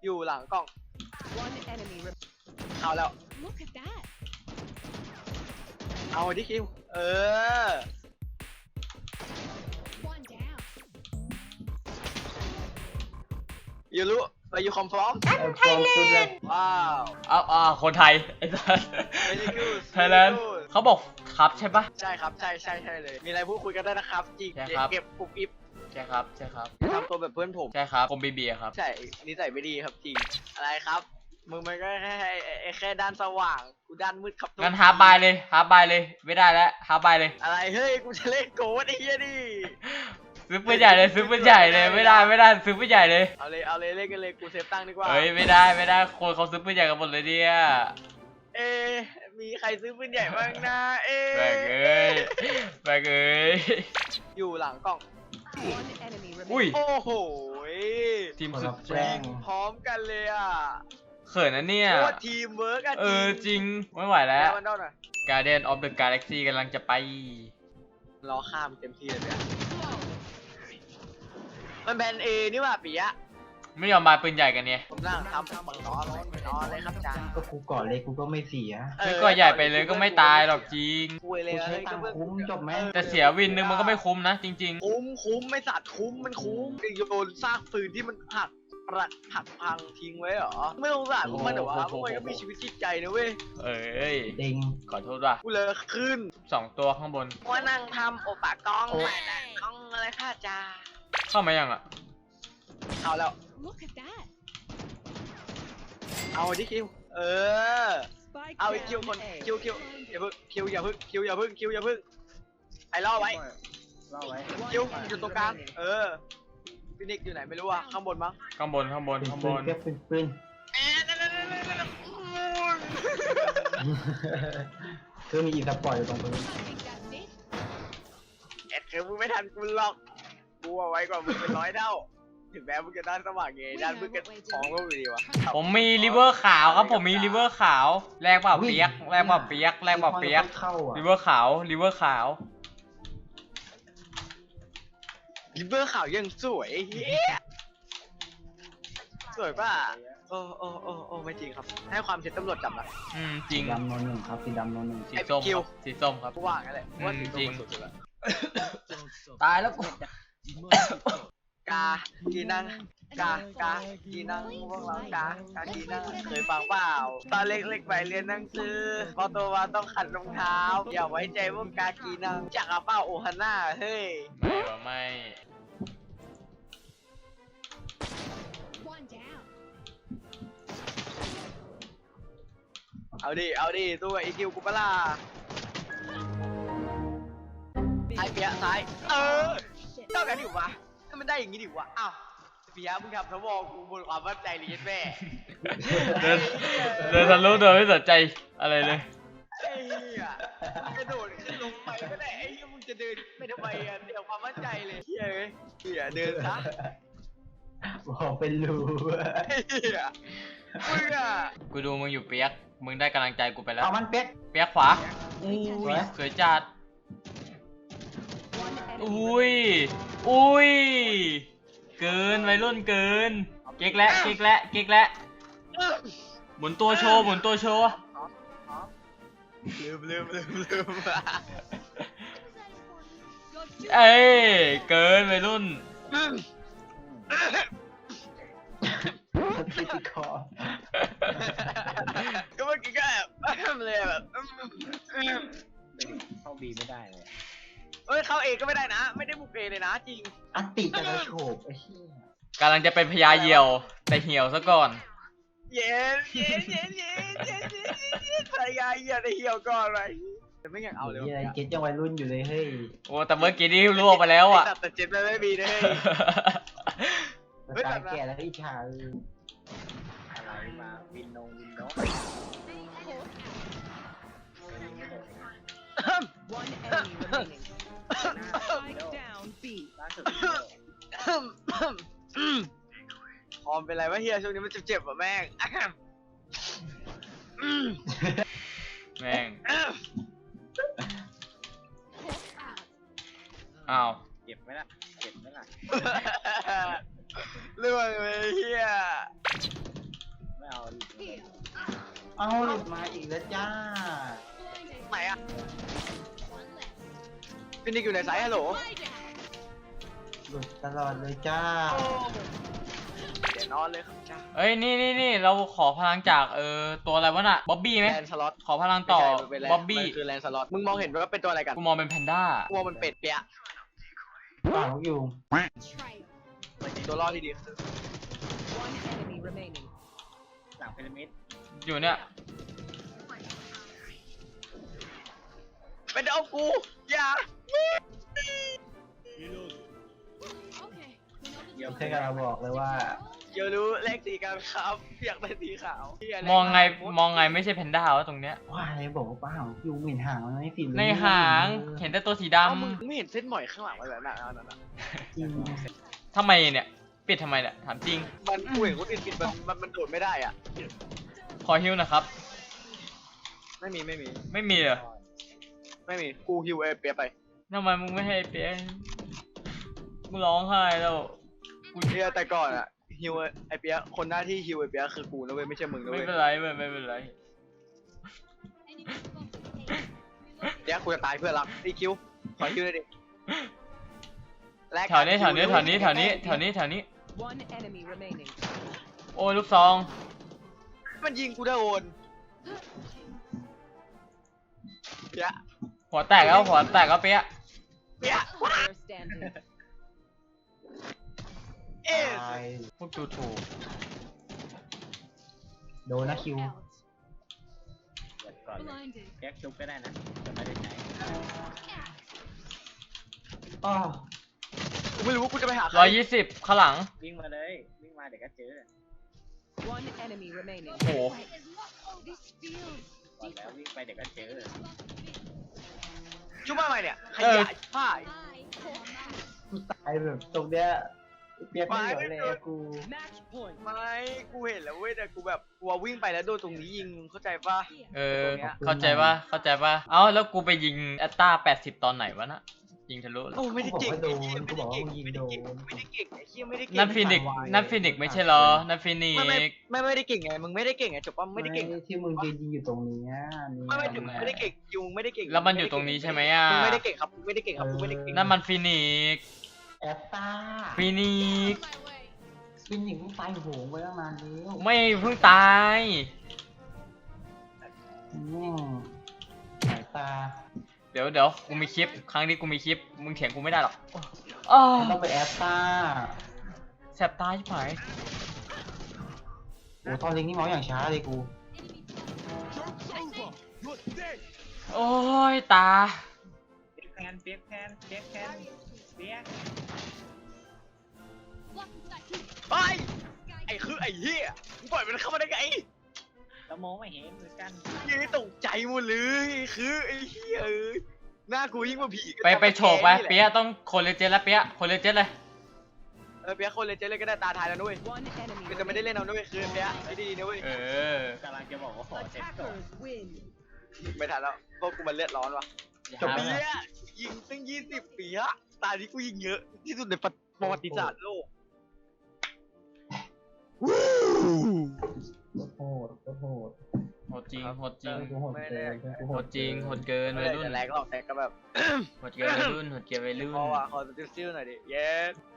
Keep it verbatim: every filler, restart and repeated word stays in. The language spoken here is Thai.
อยู่หลังกล้อง One enemy. เอาแล้ว Look at that. เอาดิคิวเออ One down. อยู่รู้ไปอยู่คอมพร้อมไทยแลนด์ว้าวเอาอ่าคนไทยไอ้สัส Very good ไทยแลนด์เขาบอกครับใช่ปะใช่ครับใช่ใช่ใช่เลย มีอะไรพูดคุยกันได้นะครับจริงใช่ครับเก็บปุบอิบใช่ครับใช่ครับทำตัวแบบเพื่อนผมใช่ครับผมบีบีครับใช่นิสัยไม่ดีครับจริงอะไรครับมึงมันก็แค่ไอ้แค่ด้านสว่างกูด้านมืดครับงั้นฮาร์บายเลยฮาร์บายเลยไม่ได้แล้วฮาร์บายเลยอะไรเฮ้ยกูจะเล่นโกดไอ้เหี้ยดิซื้อปืนใหญ่เลยซื้อปืนใหญ่เลยไม่ได้ไม่ได้ซื้อปืนใหญ่เลยเอาเลยเอาเลยเล่นกันเลยกูเซฟตั้งดีกว่าเฮ้ยไม่ได้ไม่ได้คนเขาซื้อปืนใหญ่กันหมดเลยเนี่ยเอ๊ะมีใครซื้อปืนใหญ่บ้างนะเอ๊ะแบกเอ้ยแบกเอ้ยอยู่หลังกล้อง One enemy อุ้ย remaining. โอ้โหทีมคนสุละดแจ้งพร้อมกันเลยอ่ะเขินนะเนี่ยโคตรทีมเวิร์กอะเออจริงไม่ไหวแล้แล้ว วมันได้หน่อย Guardian of the Galaxy กำลังจะไปรอข้ามเต็มที่เลยเนี่ยมันแบนเอนี่หว่าปิยะไม่ยอมมาปืนใหญ่กันเนี่ยผมนั่งทำบังล้อร้อนล้อเลยครับจานก็กูก่อนเลยกูก็ไม่เสียไม่ก็ใหญ่ไปเลยก็ไม่ตายหรอกจริงคุยเลยกูใช้เฮ้ยตังค์ก็เพิ่คุ้มจบไหมแต่เสียวินนึงมันก็ไม่คุ้มนะจริงคุ้มคุ้มไม่สัตว์คุ้มมันคุ้มโยนซากปืนที่มันหักประหักพังทิ้งไว้เหรอไม่สงสารพวกมันเหรอวะพวกมันก็มีชีวิตจิตใจนะเว้ยๆ เอ้ยเด้งขอโทษว่ะกูเลยขึ้นสองตัวข้างบนว่านั่งทำโอปะกล้องใหม่แต่กล้องอะไรค่ะจ้าเข้ามายังอ่ะเอาแล้ว Look at that. เอาดิคิวเออ Spike เอาอีกคิว down คน A. คิวคิวอย่าพึ่งคิวอย่าพึ่งคิวอย่าพึ่งคิวอย่าพึ่งไอ้ล่อไว้รอไว้คิวอยู่ตรงกลางเออฟินิกอยู่ไหนไม่รู้อ่ะข้างบนมั้งข้างบนข้างบนเป็นข้างบปืนนเก็บเป็นปืนเอ๊ะนั่นนั่นนั่นนั่นนั่นคือมีอีสปอร์ตอยู่ตรงปืน Think that's it? เอ็ดคือมึงไม่ทันกูหรอกกูเอาไว้กว่ามึงเป็นร้อยเท่าถึงแม้มึงจะด้านสว่างไงด้านมึงก็ของก็อยู่ดีวะผมมีริเวอร์ขาวครับผมมีริเวอร์ขาวแรงเปล่าเปียกแรงเปล่าเปียกแรงเปล่าเปียกเข้าอ่ะริเวอร์ขาวริเวอร์ขาวลิเบอร์ขาวยังสวยเฮียสวยป่ะโอ้โอ้โอ้โอ้ไม่จริงครับให้ความเท็จตำรวจจับละอืมจสีริงดำนนหนึ่งครับสีดำนนหนึ่งสีส้มไอ้คิวครับสีส้มครับกูว่างั้นแหละว่าสีจริงสุดแล้วตายแล้วกูกากีนังกากากีนังพวกเรากากากีนังเคยฟังเปล่าตอนเล็กๆไปเรียนหนังสือพอโตมาต้องขัดรองเท้าอย่าไว้ใจพวกกากีนังจากอาเป้าโอฮาน่าเฮ้ยไม่ว่าไม่ One down. เอาดิเอาดิตัวอีคิวกูปะล่ะซ้ายเปียะซ้ายเออ Shit. เท่ากันดิวะถ้ามันได้อย่างงี้ดิวะอ้าวเปียะมึงทำทวอกูบนความมั่นใจเลยแม่เดินเดินทะลุโดยไม่สนใจอะไรเลยไอ้เหี้ยกระโดดขึ้นลงไปก็ได้ไอ้เหี้ยมึงจะเดินไปทำไมอ่ะเดี๋ยวความมั่นใจเลยเหี้ยเอ้ยเหี้ยเดินซะบอกเป็นรูไอ้เหี้ยมึงอ่ะกูดูมึงอยู่เปียกมึงได้กำลังใจกูไปแล้วเอามันเป็ดเปียกขวาอุ้ยสวยจัด One enemy อุ้ย remaining. อุ้ย เกินวัยรุ่นเกิน เก๊กและเก๊กและเก๊กและหมุนตัวโชว์หมุนตัวโชว์ลืมลืมลืมลืมเอ้ยเกินวัยรุ่นติดคอก็เมื่อกี้ก็แบบเลยแบบเข้าบีไม่ได้เลยเอ้ยเข้าเองก็ไม่ได้นะ ไม่ได้บุกเอเลยนะจริงอัตติจะกระโฉบไอ้เหี้ยกำลังจะเป็นพญาเหยี่ยว แต่เหี่ยวซะก่อนเย็นเย็นเย็นเย็นเย็นเย็นเย็นภรรยาเหี้ยได้เหี่ยวก่อนเลยแต่ไม่อยากเอาเลยเหี้ยเจ็ดยังวัยรุ่นอยู่เลยเฮ้ยโอ้แต่เมื่อกี้นี่ลวกไปแล้วอ่ะแต่เจ็บไม่ไม่มีเลยสไตล์แก่แล้วอิจฉาเอออะไรมาวินโนวินโน One enemy remaining. Spike down B. ล่าสุดพอมเป็นไรวะเฮียช่วงนี้มันเจ็บๆว่ะแม่งแม่งอ้าวเจ็บไหมล่ะเจ็บไหมล่ะเรื่องเลยเฮียเอ้าหลุดมาอีกแล้วจ้าไหนอะฟินิกอยู่ในสายฮัลโหลหลุดตลอดเลยจ้าเดี๋ยวนอนเลยครับจ้าเอ้ยนี่นี่นี่เราขอพลังจากเออตัวอะไรวะน่ะบ๊อบบี้ไหมแลนสล็อตขอพลังต่อเป็นแลนบ๊อบบี้มันคือแลนสล็อตมึงมองเห็นว่าเป็นตัวอะไรกันกูมองเป็นแพนด้ากูมองมันเป็ดเปียะปากอยู่ตัวรอดที่ดีคือ One enemy remaining. หลังพีระมิดอยู่เนี่ยเป็นเอากูอย่าเดี๋ยวแค่เราบอกเลยว่าเดี๋ยวรู้เลขสีกันครับอยากได้สีขาวเหี้ยเลขมองไงขาวมองไงไม่ใช่แพนด้าวะตรงเนี้ยว่าอะไรบอกว่าป้าของยูเหม็นหางมันไม่สีในหางเห็นแต่ตัวสีดเอ้ามึงไม่เห็นเส้นหมอยข้างหลังมันแบบนั้นนั่นน่ะจริงำทำไมเนี่ย ปิดทำไมเนี่ยถามจริงมันกูเห็นคนอื่นปิดมันมันมันโดดไม่ได้อ่ะขอฮิวหนะครับไม่มีไม่มีไม่มีเหรอไม่มีกูฮิวเอเปียไปทำไมมึงไม่ให้เปียมึงร้องไห้แล้วกูเชียแต่ก่อนอ่ะฮิวไอเปียคนหน้าที่ฮิวไอเปียคือกูนะเว้ยไม่ใช่มึงนะไม่เว้ยเป็นไรเว้ยไม่เป็นไรเดี๋ยวกูจะตายเพื่อนรักอีคิวขอฮิวเลยดิแลกแถวนี้แถวนี้แถวนี้แถวนี้แถวนี้แถวนี้ One enemy remaining. โอ้ยลูกซองมันยิงกูได้โอนเปียหัวแตกแล้วหัวแตกแล้วเปียเปีย Player standing. เอ๊ะตายพวกดูถูกโดนนะคิวแก๊กชุบก็ได้นะแต่ไม่ได้ใช้อ้อกูไม่รู้ว่ากูจะไปหาใครร้อยยี่สิบข้างหลังวิ่งมาเลย วิ่งมาเดี๋ยวก็เจอ One enemy remaining. โอ้โหก่อนแล้ววิ่งไปเดี๋ยวก็เจอจุ๊บมาใหม่เนี่ยขเออยายผ้ากูตายแบบตรงเนี้ยเปียกไม่เหลือเลยกู Match point. ไม่กูเห็นแล้วเว้ยแต่กูแบบกลัววิ่งไปแล้วโดนตรงนี้ยิงมึงเข้าใจปะเออตรงเนี้ยเข้าใจปะเข้าใจปะเอ้าแล้วกูไปยิงแอตตาแปดสิบตอนไหนวะนะยิงทะลุเหรอโอ้ไม่ได้เก่งกูบอกว่าโดนไอ้เหี้ยกูบอกว่ามึงยิงโดนไม่ได้เก่งไอ้เหี้ยไม่ได้เก่งนั่นฟินิกซ์ไม่ไหวนั่นฟินิกซ์ไม่ใช่เหรอนั่นฟินิกไม่ไม่ซ์ไม่ไม่ได้เก่งไงมึงไม่ได้เก่งไงจบปะไม่ได้เก่งที่มึงยืนยิงอยู่ตรงนี้เนี่ยไม่ไม่ถึงไม่ได้เก่งยูมึงไม่ได้เก่งแล้วมันอยู่ตรงนี้ใช่ไหมอ่ะมึงไม่ได้เก่งครับมึงไม่ได้เก่งครับมึงไม่ได้เก่งนั่นมันฟินิกซ์แอตตาฟินิกซ์ฟินิกซ์มึงตายโหงไปตั้งนานแล้วไม่เพิ่งตายแม่งสายตาเดี๋ยวเดี๋ยวกูมีคลิป ครั้งนี้กูมีคลิป มึงเถียงกูไม่ได้หรอกอ้าวมันต้องไปแอตตาแสบตาชิบหายโอ้ตอนเล็กนี่เมาส์อย่างช้าเลยกูโอ้ยตาเปียกแคนเปียกแคนเปียกแคนเปียกไปไอ้คือไอ้เหี้ยมึงปล่อยมันเข้ามาได้ไงแล้วมองไม่เห็นเหมือนกันยังตกใจหมดเลยคือไอ้เหี้ยเอ้ยหน้ากูยิ่งกว่าผีไปไปโฉบไปเปียะต้องโคนเลเจนแล้วเปียะโคนเลเจนเลยเออเปียคนเลยเจ๊เลยก็ได้ตาทายแล้วด้วย One enemy. คือจะไม่ได้เล่นเอาด้วยคือเปียไม่ดีนะเว้ยเออกำลังจะบอกว่าขอเซ็ตก่อน Attackers win. ไม่ทันแล้วพวกกูมันเลือดร้อนวะจบเปีแล้วยยิงตั้งยี่สิบปีอะตาที่กูยิงเยอะที่สุดในประวัติศาสตร์โลกโหดโหดโหดจริง โหดจริงกูโหดเกินกูโหโหดดจริง โหดเกินไม่วัยได้รุ่นจะแรงหรอกแต่ก็แบบโหดเกินวัยรุ่น โหดเกินวัยรุ่นพอว่ะขอสติลซิลหน่อยดิเย้